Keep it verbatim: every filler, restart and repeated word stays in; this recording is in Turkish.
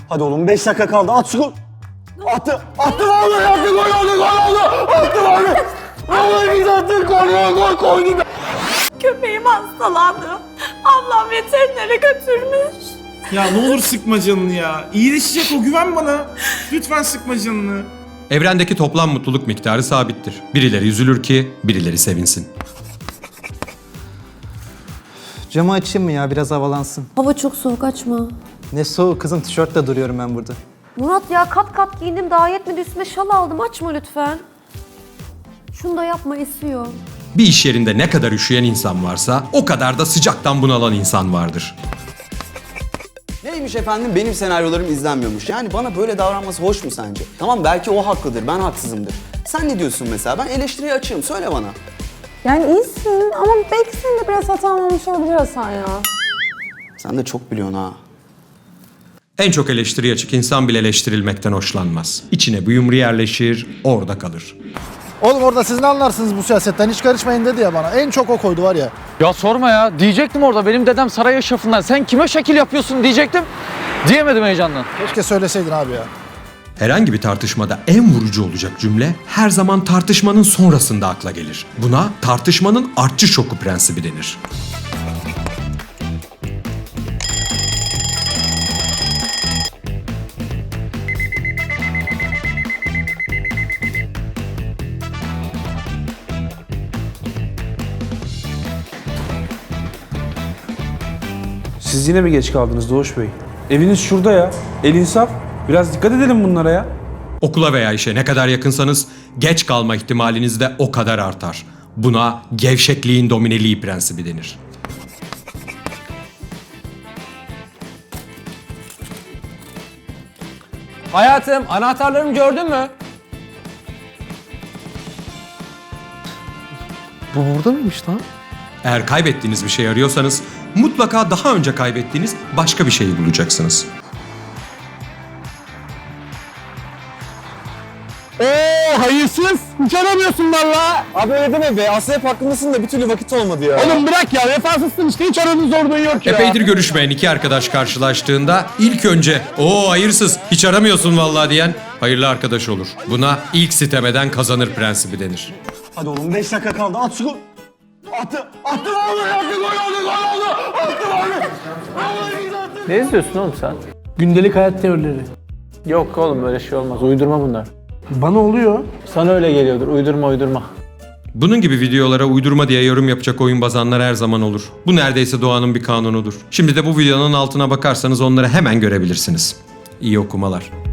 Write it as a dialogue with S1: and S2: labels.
S1: Hadi oğlum beş dakika kaldı. At şu gol. Attı. Attı vallahi attı. Gol oldu. Gol oldu. Attı vallahi. Vallahi biz attık. Gol gol koydu.
S2: Köpeğim hastalandı. Ablam veterinere götürmüş.
S3: Ya ne olur sıkma canını ya. İyileşecek o, güven bana. Lütfen sıkma canını.
S4: Evrendeki toplam mutluluk miktarı sabittir. Birileri üzülür ki birileri sevinsin.
S5: Camı açayım mı ya, biraz havalansın?
S6: Hava çok soğuk, açma.
S5: Ne soğuk kızım, tişörtle duruyorum ben burada.
S6: Murat ya kat kat giyindim, daha yetmedi, üstüme şal aldım, açma lütfen. Şunu da yapma, esiyor.
S4: Bir iş yerinde ne kadar üşüyen insan varsa o kadar da sıcaktan bunalan insan vardır.
S1: Neymiş efendim, benim senaryolarım izlenmiyormuş. Yani bana böyle davranması hoş mu sence? Tamam, belki o haklıdır, ben haksızımdır. Sen ne diyorsun mesela? Ben eleştiriye açığım, söyle bana.
S7: Yani iyisin ama belki senin de biraz hatan olmuş olabilir Hasan ya.
S1: Sen de çok biliyorsun ha.
S4: En çok eleştiriye açık insan bile eleştirilmekten hoşlanmaz. İçine bir yumru yerleşir, orada kalır.
S8: Oğlum orada siz ne anlarsınız bu siyasetten, hiç karışmayın dedi ya bana. En çok o koydu var ya.
S9: Ya sorma ya. Diyecektim orada benim dedem saray eşrafından. Sen kime şekil yapıyorsun diyecektim. Diyemedim heyecandan.
S8: Keşke söyleseydin abi ya.
S4: Herhangi bir tartışmada en vurucu olacak cümle her zaman tartışmanın sonrasında akla gelir. Buna tartışmanın artçı şoku prensibi denir.
S10: Siz yine mi geç kaldınız Doğuş Bey? Eviniz şurada ya. El insaf. Biraz dikkat edelim bunlara ya.
S4: Okula veya işe ne kadar yakınsanız geç kalma ihtimaliniz de o kadar artar. Buna gevşekliğin domineliği prensibi denir.
S9: Hayatım, anahtarlarımı gördün mü?
S8: Bu burada mıymış lan?
S4: Eğer kaybettiğiniz bir şey arıyorsanız mutlaka daha önce kaybettiğiniz başka bir şeyi bulacaksınız.
S8: Ooo hayırsız! Hiç aramıyorsun valla!
S1: Abi öyle deme be, aslında hep haklısın da bir türlü vakit olmadı ya.
S8: Oğlum bırak ya, vefasızsın işte, hiç aranın zorluğu yok ya.
S4: Epeydir görüşmeyen iki arkadaş karşılaştığında ilk önce "Oo hayırsız, hiç aramıyorsun vallahi" diyen hayırlı arkadaş olur. Buna ilk sitem eden kazanır prensibi denir.
S1: Hadi oğlum beş dakika kaldı. At şu gol. Attı. Attı vallahi attı. Gol oldu. Gol oldu. Attı vallahi. Vallahi biz attık.
S9: Ne izliyorsun oğlum sen?
S8: Gündelik hayat teorileri.
S9: Yok oğlum böyle şey olmaz. Uydurma bunlar.
S8: Bana oluyor.
S9: Sana öyle geliyordur. Uydurma uydurma.
S4: Bunun gibi videolara uydurma diye yorum yapacak oyunbazanlar her zaman olur. Bu neredeyse doğanın bir kanunudur. Şimdi de bu videonun altına bakarsanız onları hemen görebilirsiniz. İyi okumalar.